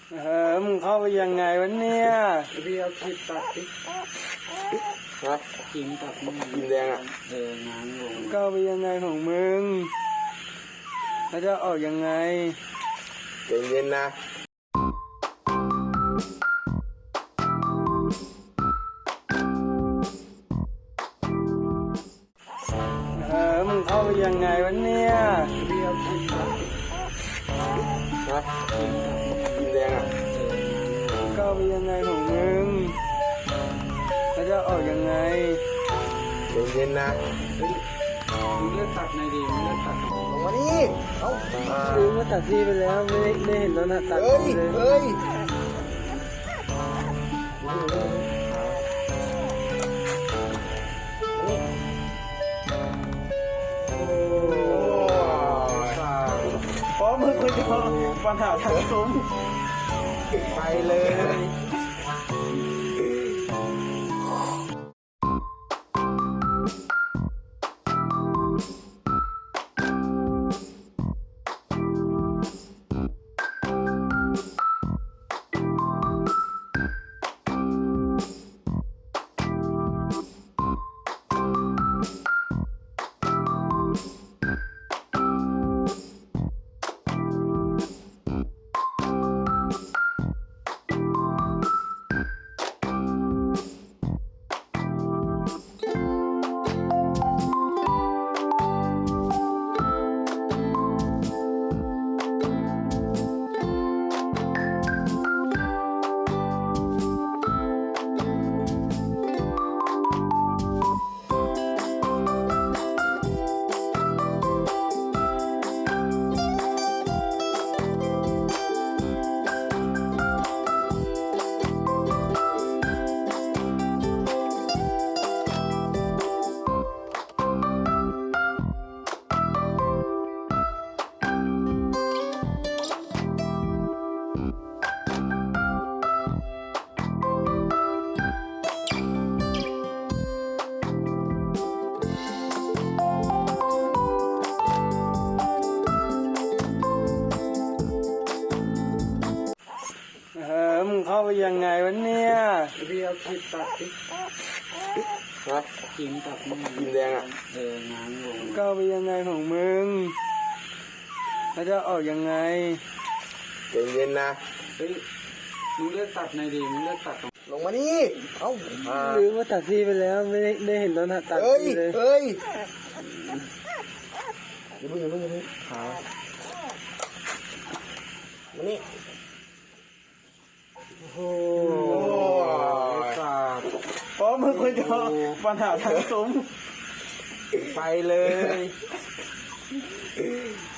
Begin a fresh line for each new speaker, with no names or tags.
มึงเข้าไปยังไงวะเนี่ย
เรียกคิดตัดดิ
ฮะ
กินตัดมึง
กินแดงอ่ะ
งานงง
เข้าไปยังไงของมึงแล้วจะออกยังไง
ใจเย็นนะ
มึงเข้าไปยังไงวะเนี่ย
เรียกคิดตัดดิ
ฮะกินแดงอ่ะ
เข้าไปยังไงของมึงแล้วจะออกยังไง
ใจเย็นนะ
มึงเลือกตัดในดีมึงเลือกตัด
ลงมาดิเอ้า
ซื้อมาตัดที่ไปแล้วไม่เห็นตอนตัดเลย
เฮ้ย
เพราะมึงคุยกับปัญหาทางซุ้ม
ไปเลย
มึงเข้าไปยังไงวะเนี่ย
เรียกคิดตัดดิ
ฮะ
กินตัดมึง
กินแดงอ่ะ
งานงง
เข้าไปยังไงของมึงแล้วจะออกยังไง
ใจเย็นนะ
มึงเลือกตัดในดีมึงเลือกตัด
ลงมาดิเอ้า
ซื้อมาตัดที่ไปแล้วไม่เห็นตอนตัดเลย
เฮ้ยอย่าเพิ่งขามานี่
โอ้เพราะมึงคุยกับปัญหาทางซุ้ม
ไปเลย